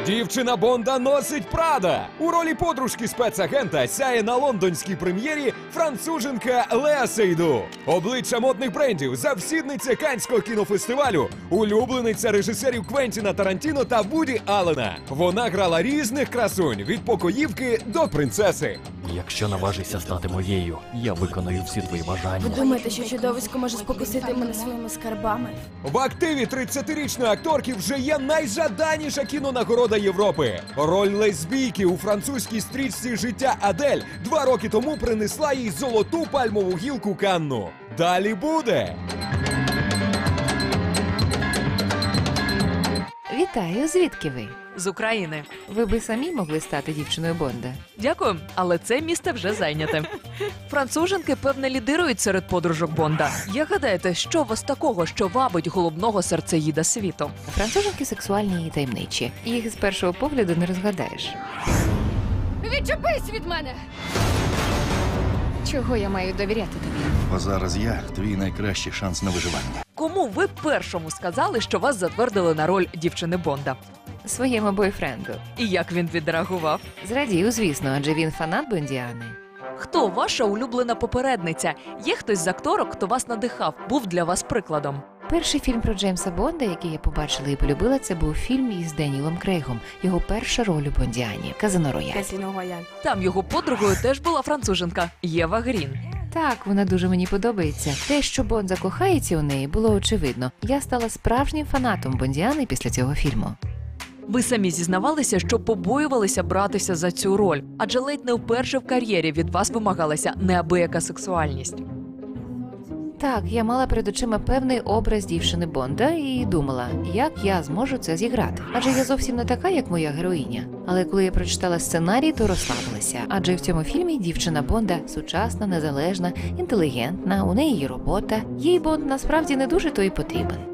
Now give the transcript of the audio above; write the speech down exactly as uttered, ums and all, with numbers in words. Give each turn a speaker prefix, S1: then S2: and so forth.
S1: Дівчина Бонда носить Прада. У ролі подружки спецагента сяє на лондонській прем'єрі француженка Леа Сейду. Обличчя модних брендів, завсідниця Каннського кінофестивалю, улюблениця режисерів Квентіна Тарантіно та Вуді Аллена. Вона грала різних красунь від покоївки до принцеси.
S2: Якщо наважишся стати моєю, я виконую всі твої бажання.
S3: Ви думаєте, що чудовисько може спокусити мене своїми скарбами?
S1: В активі тридцятирічної акторки вже є найжаданіша кінонагорода Європи. Роль лесбійки у французькій стрічці «Життя Адель» два роки тому принесла їй золоту пальмову гілку Канну. Далі буде!
S4: Вітаю, звідки ви?
S5: З України.
S4: Ви би самі могли стати дівчиною Бонда.
S5: Дякую, але це місце вже зайняте. Француженки, певне, лідирують серед подружок Бонда. Як гадаєте, що у вас такого, що вабить головного серцеїда світу?
S4: Француженки сексуальні і таємничі. Їх з першого погляду не розгадаєш.
S3: Відчепись від мене! Чого я маю довіряти тобі?
S6: Бо зараз я твій найкращий шанс на виживання.
S5: Кому ви першому сказали, що вас затвердили на роль дівчини Бонда?
S4: Своєму бойфренду.
S5: І як він відреагував?
S4: Зрадів, звісно, адже він фанат Бондіани.
S5: Хто ваша улюблена попередниця? Є хтось з акторок, хто вас надихав, був для вас прикладом?
S4: Перший фільм про Джеймса Бонда, який я побачила і полюбила, це був фільм із Денілом Крейгом. Його перша роль у Бондіані – «Казино Рояль».
S5: Там його подругою теж була француженка Єва Грін.
S4: Так, вона дуже мені подобається. Те, що Бонд закохається у неї, було очевидно. Я стала справжнім фанатом Бондіани після цього фільму.
S5: Ви самі зізнавалися, що побоювалися братися за цю роль, адже ледь не вперше в кар'єрі від вас вимагалася неабияка сексуальність.
S4: Так, я мала перед очима певний образ дівчини Бонда і думала, як я зможу це зіграти. Адже я зовсім не така, як моя героїня. Але коли я прочитала сценарій, то розслабилася. Адже в цьому фільмі дівчина Бонда сучасна, незалежна, інтелігентна, у неї є робота. Їй Бонд насправді не дуже то й потрібен.